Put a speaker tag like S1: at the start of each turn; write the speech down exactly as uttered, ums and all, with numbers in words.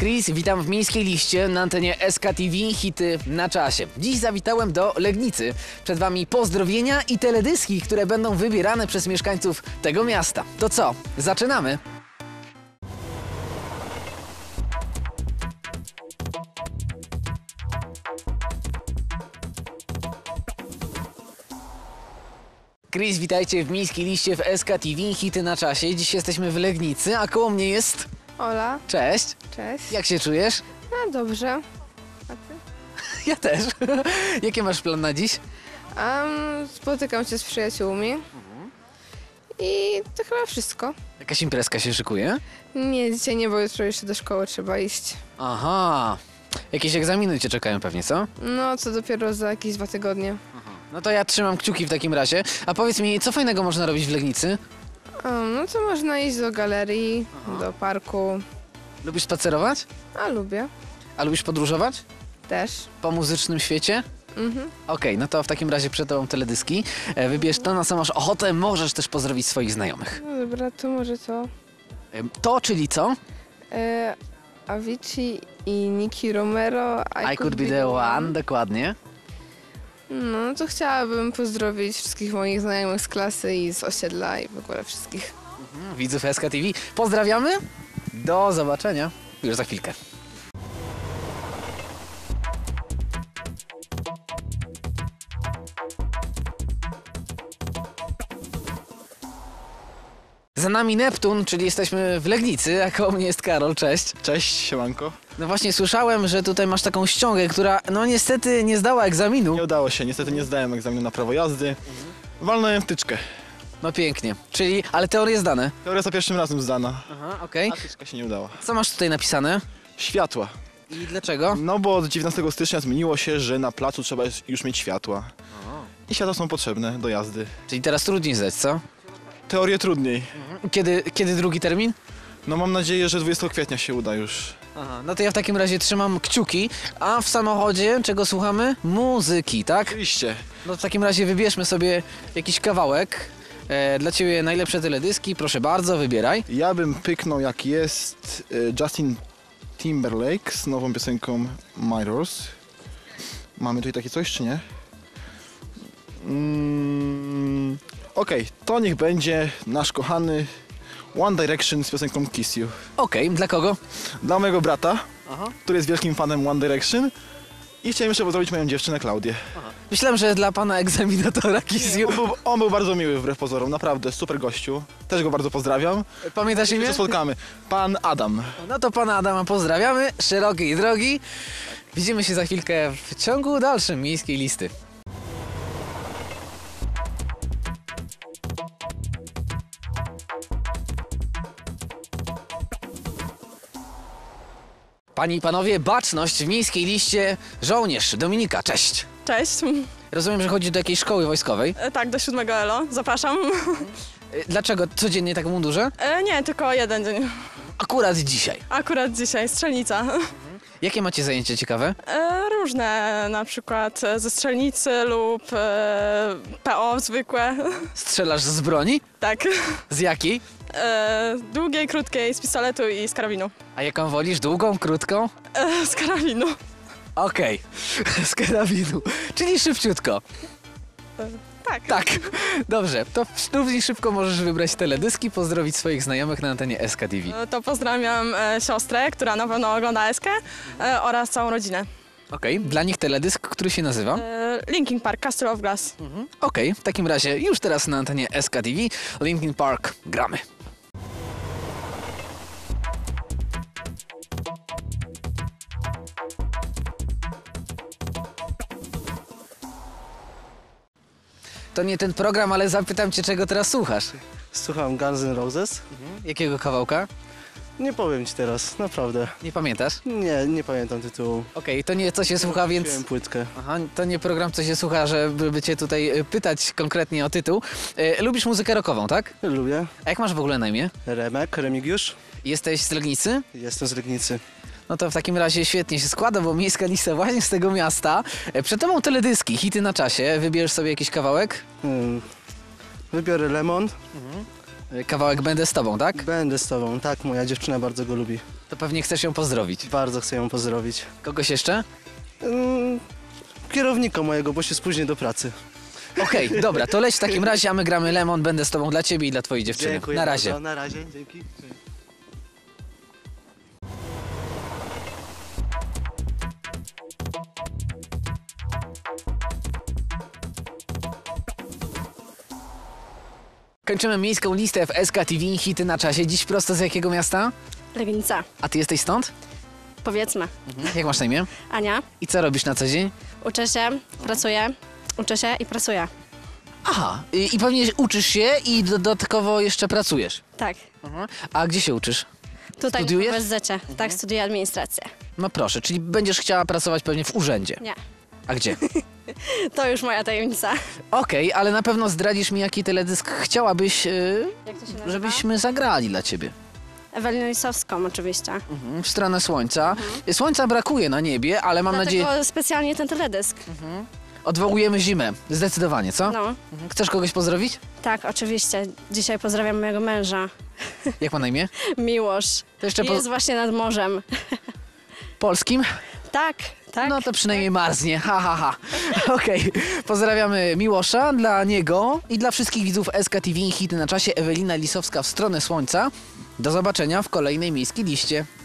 S1: Chris, witam w Miejskiej Liście na antenie S K T V, hity na czasie. Dziś zawitałem do Legnicy. Przed Wami pozdrowienia i teledyski, które będą wybierane przez mieszkańców tego miasta. To co? Zaczynamy! Chris, witajcie w Miejskiej Liście w S K T V, hity na czasie. Dziś jesteśmy w Legnicy, a koło mnie jest...
S2: Ola.
S1: Cześć.
S2: Cześć.
S1: Jak się czujesz?
S2: A, dobrze. A ty?
S1: Ja też. Jakie masz plan na dziś?
S2: Um, spotykam się z przyjaciółmi. Mhm. I to chyba wszystko.
S1: Jakaś imprezka się szykuje?
S2: Nie, dzisiaj nie, bo jutro jeszcze do szkoły trzeba iść.
S1: Aha. Jakieś egzaminy cię czekają pewnie, co?
S2: No, co dopiero za jakieś dwa tygodnie.
S1: Aha. No to ja trzymam kciuki w takim razie. A powiedz mi, co fajnego można robić w Legnicy?
S2: Um, no to można iść do galerii, Aha. do parku.
S1: Lubisz spacerować?
S2: A, lubię.
S1: A lubisz podróżować?
S2: Też.
S1: Po muzycznym świecie?
S2: Mhm.
S1: Okej, okay, no to w takim razie przed tobą teledyski. E, wybierz to, na co masz ochotę. Możesz też pozdrowić swoich znajomych.
S2: No dobra, to może to.
S1: E, to, czyli co?
S2: E, Avicii i Nicky Romero.
S1: I, I could, could be the one. one, dokładnie.
S2: No to chciałabym pozdrowić wszystkich moich znajomych z klasy i z osiedla i w ogóle wszystkich.
S1: Mhm, widzów S K T V. Pozdrawiamy. Do zobaczenia już za chwilkę. Za nami Neptun, czyli jesteśmy w Legnicy, a koło mnie jest Karol. Cześć.
S3: Cześć, siemanko.
S1: No właśnie słyszałem, że tutaj masz taką ściągę, która no niestety nie zdała egzaminu.
S3: Nie udało się, niestety nie zdałem egzaminu na prawo jazdy. Mhm. Walnąłem wtyczkę.
S1: No pięknie, czyli, ale teorie zdane?
S3: Teoria za pierwszym razem zdana.
S1: Aha, okej.
S3: Okay. A wtyczka się nie udała.
S1: Co masz tutaj napisane?
S3: Światła.
S1: I dlaczego?
S3: No bo od dziewiętnastego stycznia zmieniło się, że na placu trzeba już mieć światła. Aha. I światła są potrzebne do jazdy.
S1: Czyli teraz trudniej zdać, co?
S3: Teorię trudniej.
S1: Mhm. Kiedy, kiedy drugi termin?
S3: No mam nadzieję, że dwudziestego kwietnia się uda już.
S1: Aha, no to ja w takim razie trzymam kciuki, a w samochodzie czego słuchamy? Muzyki, tak?
S3: Oczywiście.
S1: No w takim razie wybierzmy sobie jakiś kawałek. E, dla Ciebie najlepsze teledyski, proszę bardzo, wybieraj.
S3: Ja bym pyknął, jak jest Justin Timberlake z nową piosenką Mirrors. Mamy tutaj takie coś, czy nie? Mm, Okej, okay, to niech będzie nasz kochany One Direction z piosenką Kiss You.
S1: Okej, okay, dla kogo?
S3: Dla mojego brata,
S1: Aha. który
S3: jest wielkim fanem One Direction. I chciałem jeszcze pozdrowić moją dziewczynę Klaudię.
S1: Aha. Myślałem, że dla pana egzaminatora Kiss You.
S3: On był, on był bardzo miły wbrew pozorom, naprawdę, super gościu. Też go bardzo pozdrawiam.
S1: Pamiętasz imię?
S3: się spotkamy. Pan Adam.
S1: No to pana Adama pozdrawiamy, szerokiej drogi. Widzimy się za chwilkę w ciągu dalszym Miejskiej Listy. Panie i panowie, baczność w Miejskiej Liście. Żołnierz Dominika, cześć.
S4: Cześć.
S1: Rozumiem, że chodzi do jakiejś szkoły wojskowej.
S4: E, tak, do siódmego Elo. Zapraszam.
S1: E, dlaczego? Codziennie tak w mundurze?
S4: E, nie, tylko jeden dzień.
S1: Akurat dzisiaj.
S4: Akurat dzisiaj, strzelnica. Mhm.
S1: Jakie macie zajęcia ciekawe?
S4: E, różne, na przykład ze strzelnicy lub e, P O zwykłe.
S1: Strzelasz z broni?
S4: Tak.
S1: Z jakiej?
S4: E, długiej, krótkiej, z pistoletu i z karabinu.
S1: A jaką wolisz? Długą, krótką?
S4: E, z karabinu.
S1: Okej, okay. Z karabinu, czyli szybciutko.
S4: E, tak.
S1: Tak, dobrze. To równie szybko możesz wybrać teledyski, pozdrowić swoich znajomych na antenie S K T V.
S4: E, to pozdrawiam e, siostrę, która na pewno ogląda Eskę e, oraz całą rodzinę.
S1: Okej, okay. Dla nich teledysk, który się nazywa?
S4: E, Linkin Park, Castle of Glass.
S1: Mhm. Okej, okay. W takim razie już teraz na antenie S K T V Linkin Park gramy. To nie ten program, ale zapytam cię, czego teraz słuchasz.
S5: Słucham Guns N' Roses.
S1: Mhm. Jakiego kawałka?
S5: Nie powiem ci teraz, naprawdę.
S1: Nie pamiętasz?
S5: Nie, nie pamiętam tytułu.
S1: Okej, okay, to nie co się słucha, więc...
S5: Kupiłem płytkę.
S1: Aha, to nie program, co się słucha, żeby cię tutaj pytać konkretnie o tytuł. E, lubisz muzykę rockową, tak?
S5: Lubię.
S1: A jak masz w ogóle na imię?
S5: Remek, Remigiusz.
S1: Jesteś z Legnicy?
S5: Jestem z Legnicy.
S1: No to w takim razie świetnie się składa, bo Miejska Lista właśnie z tego miasta. Przed tobą teledyski, hity na czasie. Wybierz sobie jakiś kawałek.
S5: Hmm. Wybiorę Lemon. Mhm.
S1: Kawałek Będę z tobą, tak?
S5: Będę z tobą. Tak, moja dziewczyna bardzo go lubi.
S1: To pewnie chcesz ją pozdrowić.
S5: Bardzo chcę ją pozdrowić.
S1: Kogoś jeszcze?
S5: Mm, kierownika mojego, bo się spóźnię do pracy.
S1: Okej, dobra, to leć w takim razie, a my gramy Lemon, Będę z tobą dla ciebie i dla twojej dziewczyny.
S5: Dziękuję
S1: Na razie.
S5: bardzo. Na razie, dzięki.
S1: Kończymy miejską listę w S K T V, hity na czasie. Dziś prosto z jakiego miasta?
S6: Legnica,
S1: A ty jesteś stąd?
S6: powiedzmy.
S1: Jak masz na imię?
S6: Ania,
S1: I co robisz na co dzień?
S6: uczę się, pracuję, uczę się i pracuję.
S1: Aha, i, i pewnie uczysz się i dodatkowo jeszcze pracujesz.
S6: Tak,
S1: A gdzie się uczysz?
S6: tutaj
S1: Studiujesz?
S6: w U S Z-cie. Tak, studiuję administrację.
S1: No proszę, czyli będziesz chciała pracować pewnie w urzędzie.
S6: Nie,
S1: A gdzie?
S6: to już moja tajemnica.
S1: Okej, ale na pewno zdradzisz mi, jaki teledysk chciałabyś, yy,
S6: Jak to się nazywa?
S1: żebyśmy zagrali dla ciebie.
S6: Ewelinę Lisowską oczywiście.
S1: Mhm, w stronę słońca. Słońca brakuje na niebie, ale mam
S6: Dlatego
S1: nadzieję...
S6: specjalnie ten teledysk.
S1: Odwołujemy zimę. Zdecydowanie, co?
S6: No,
S1: Mhm. Chcesz kogoś pozdrowić?
S6: tak, oczywiście. Dzisiaj pozdrawiam mojego męża,
S1: Jak ma na imię?
S6: Miłosz.
S1: To jeszcze po
S6: Jest właśnie nad morzem.
S1: polskim?
S6: Tak, tak.
S1: No to przynajmniej marznie, ha, ha, ha. Okej, pozdrawiamy Miłosza, dla niego i dla wszystkich widzów S K T V, hity na czasie, Ewelina Lisowska w stronę słońca. Do zobaczenia w kolejnej miejskiej liście.